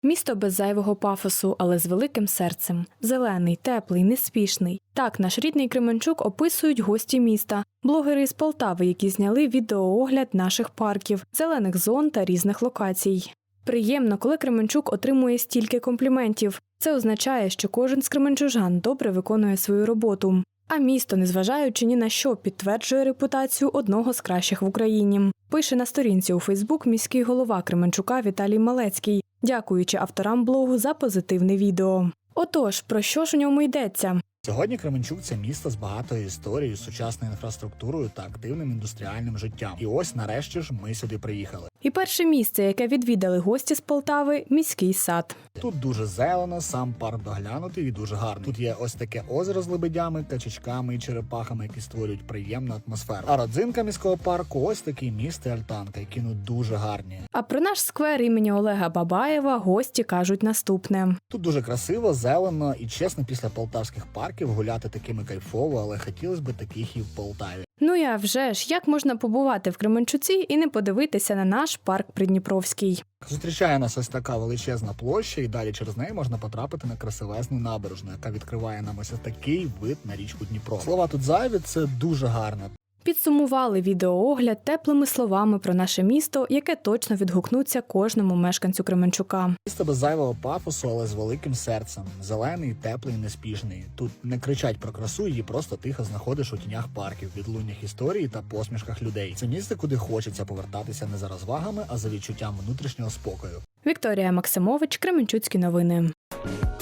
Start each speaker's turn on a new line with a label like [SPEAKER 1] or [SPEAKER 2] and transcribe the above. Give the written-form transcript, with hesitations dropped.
[SPEAKER 1] Місто без зайвого пафосу, але з великим серцем. Зелений, теплий, неспішний. Так наш рідний Кременчук описують гості міста. Блогери з Полтави, які зняли відеоогляд наших парків, зелених зон та різних локацій. Приємно, коли Кременчук отримує стільки компліментів. Це означає, що кожен з кременчужан добре виконує свою роботу. А місто, незважаючи ні на що, підтверджує репутацію одного з кращих в Україні. Пише на сторінці у Фейсбук міський голова Кременчука Віталій Малецький, дякуючи авторам блогу за позитивне відео. Отож, про що ж у ньому йдеться?
[SPEAKER 2] Сьогодні Кременчук – це місто з багатою історією, сучасною інфраструктурою та активним індустріальним життям. І ось нарешті ж ми сюди приїхали.
[SPEAKER 1] І перше місце, яке відвідали гості з Полтави – міський сад.
[SPEAKER 2] Тут дуже зелено, сам парк доглянутий і дуже гарний. Тут є ось таке озеро з лебедями, качачками і черепахами, які створюють приємну атмосферу. А родзинка міського парку – ось такий міст і альтанка, які дуже гарні.
[SPEAKER 1] А про наш сквер імені Олега Бабаєва гості кажуть наступне.
[SPEAKER 2] Тут дуже красиво, зелено і, чесно, після полтавських парків гуляти такими кайфово, але хотілося б таких і в Полтаві.
[SPEAKER 1] Ну я вже ж, як можна побувати в Кременчуці і не подивитися на наш парк Придніпровський?
[SPEAKER 2] Зустрічає нас ось така величезна площа, і далі через неї можна потрапити на красивезну набережну, яка відкриває нам ось такий вид на річку Дніпро. Слова тут зайві, це дуже гарно.
[SPEAKER 1] Підсумували відеоогляд теплими словами про наше місто, яке точно відгукнуться кожному мешканцю Кременчука.
[SPEAKER 2] Місто без зайвого пафосу, але з великим серцем. Зелений, теплий, неспішний. Тут не кричать про красу, її просто тихо знаходиш у тінях парків, відлуннях історії та посмішках людей. Це місце, куди хочеться повертатися не за розвагами, а за відчуттям внутрішнього спокою.
[SPEAKER 1] Вікторія Максимович, Кременчуцькі новини.